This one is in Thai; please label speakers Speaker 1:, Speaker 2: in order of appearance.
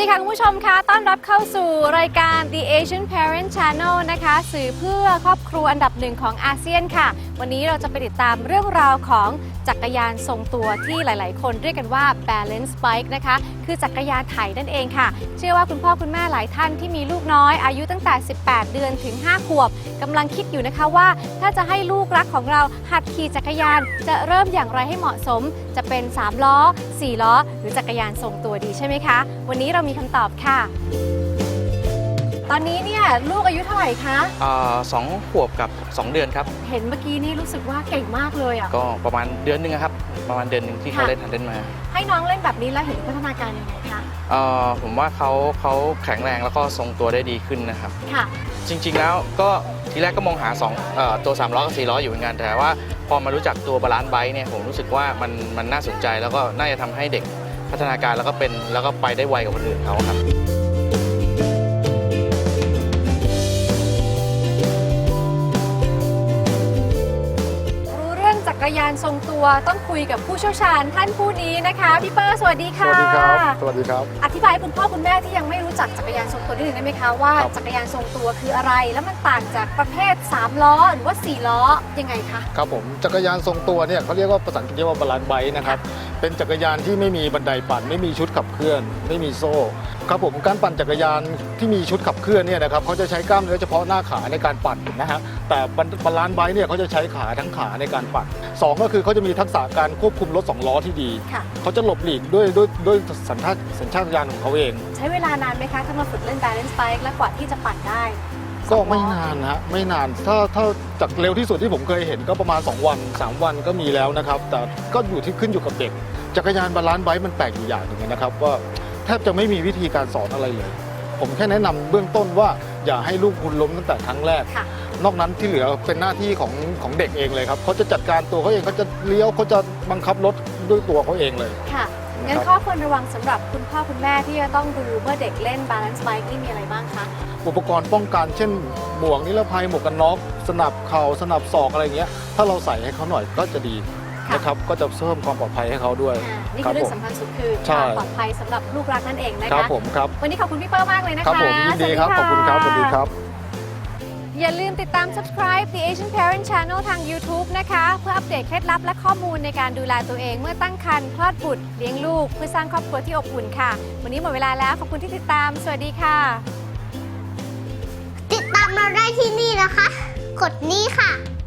Speaker 1: ค่ะคุณผู้ชมคะต้อนรับเข้าสู่รายการ The Asian Parent Channel นะคะสื่อเพื่อครอบครัวอันดับหนึ่งของอาเซียนค่ะวันนี้เราจะไปติดตามเรื่องราวของจักรยานทรงตัวที่หลายๆคนเรียกกันว่า balance bike นะคะคือจักรยานไถนั่นเองค่ะเชื่อว่าคุณพ่อคุณแม่หลายท่านที่มีลูกน้อยอายุตั้งแต่ 18 เดือนถึง 5 ขวบกำลังคิดอยู่นะคะว่าถ้าจะให้ลูกรักของเราหัดขี่จักรยานจะเริ่มอย่างไรให้เหมาะสมจะเป็น3ล้อ4ล้อหรือจักรยานทรงตัวดีใช่ไหมคะวันนี้เรามีคำตอบค่ะตอนนี้เนี่ยลูกอายุเท่าไหร่คะ
Speaker 2: 2 ขวบกับ 2 เดือนครับ
Speaker 1: เห็นเมื่อกี้นี่รู้สึกว่าเก่งมากเลยอ่ะ
Speaker 2: ก็ประมาณเดือนหนึ่งครับประมาณเดือนหนึ่งที่เขาเล่นมา
Speaker 1: ให้น้องเล่นแบบนี้แล้วเห็นพัฒนาการยังไงคะ
Speaker 2: ผมว่าเขาแข็งแรงแล้วก็ทรงตัวได้ดีขึ้นนะครับ
Speaker 1: ค่ะ
Speaker 2: จริงๆแล้วก็ทีแรกก็มองหาตัว3ล้อกับ4ล้ออยู่เหมือนกันแต่ว่าพอมารู้จักตัวบาลานซ์ไบค์เนี่ยผมรู้สึกว่ามันน่าสนใจแล้วก็น่าจะทำให้เด็กพัฒนาการแล้วก็ไปได้ไวกว่าคนอื่นเขาครับ
Speaker 1: จักรยานทรงตัวต้องคุยกับผู้เชี่ยวชาญท่านผู้นี้นะคะพี่เปอร์สวัสดีค่ะ
Speaker 3: สวัสดีครับสวัสดีครับ
Speaker 1: อธิบายให้คุณพ่อคุณแม่ที่ยังไม่รู้จักจักรยานทรงตัวนิดนึงได้ไหมคะว่าจักรยานทรงตัวคืออะไรแล้วมันต่างจากประเภท3ล้อหรือว่า4ล้อยังไงคะ
Speaker 3: ครับผมจักรยานทรงตัวเนี่ยเขาเรียกว่าภาษาอังกฤษว่าบาลานซ์ไบค์นะครับเป็นจักรยานที่ไม่มีบันไดปั่นไม่มีชุดขับเคลื่อนไม่มีโซ่ครับผมการปั่นจักรยานที่มีชุดขับเคลื่อนเนี่ยนะครับเขาจะใช้กล้ามเนื้อเฉพาะหน้าขาในการปั่นนะฮะแต่บาลานซ์ไบค์เนี่ยเขาจะใช้ขาทั้งขาในการปั่น2ก็คือเขาจะมีทักษะการควบคุมรถ2ล้อที่ดีเขาจะหลบหลีกด้วยสัญชาตญาณของเขาเอง
Speaker 1: ใช้เวลานานไหมคะถ้ามาฝึกเล่น balance bike และกว่าที่จะปั่นได้
Speaker 3: ก็ไม่นานนะไม่นานถ้าจากเร็วที่สุดที่ผมเคยเห็นก็ประมาณ2 วัน 3 วันก็มีแล้วนะครับแต่ก็ขึ้นอยู่กับเด็กจักรยานบาลานซ์ไบค์มันแปลกอยู่อย่างหนึ่งนะครับว่าแทบจะไม่มีวิธีการสอนอะไรเลยผมแค่แนะนำเบื้องต้นว่าอย่าให้ลูกคุณล้มตั้งแต่ครั้งแรกนอกนั้นที่เหลือเป็นหน้าที่ของเด็กเองเลยครับเขาจะจัดการตัวเขาเองเขาจะเลี้ยวเขาจะบังคับรถด้วยตัวเขาเองเลย
Speaker 1: ค่ะงั้นข้อควรระวังสำหรับคุณพ่อคุณแม่ที่จะต้องดูเมื่อเด็กเล่น balance bike นี่มีอะไรบ้างคะ
Speaker 3: อุปกรณ์ป้องกันเช่นหมวกนิรภัยหมวกกันน็อกสนับเข่าสนับศอกอะไรเงี้ยถ้าเราใส่ให้เขาหน่อยก็จะดีนะครับก็จะเพิ่มความปลอดภัยให้เขาด้วย
Speaker 1: นี่คือเรื่องสำคัญสุดคือความปลอดภัยสำหรับลูกรักนั่นเองนะคะ
Speaker 3: ครับผมครับ
Speaker 1: วันนี้ขอบคุณพี่เปิ้ลมากเลยนะคะ
Speaker 3: ครับผมยินดีครับขอบคุณครับสวัสดีครับ
Speaker 1: อย่าลืมติดตาม subscribe The Asian Parent Channel ทาง YouTube นะคะเพื่ออัปเดตเคล็ดลับและข้อมูลในการดูแลตัวเองเมื่อตั้งครรภ์คลอดบุตรเลี้ยงลูกเพื่อสร้างครอบครัวที่อบอุ่นค่ะวันนี้หมดเวลาแล้วขอบคุณที่ติดตามสวัสดีค่ะ
Speaker 4: ติดตามเราได้ที่นี่นะคะกดนี้ค่ะ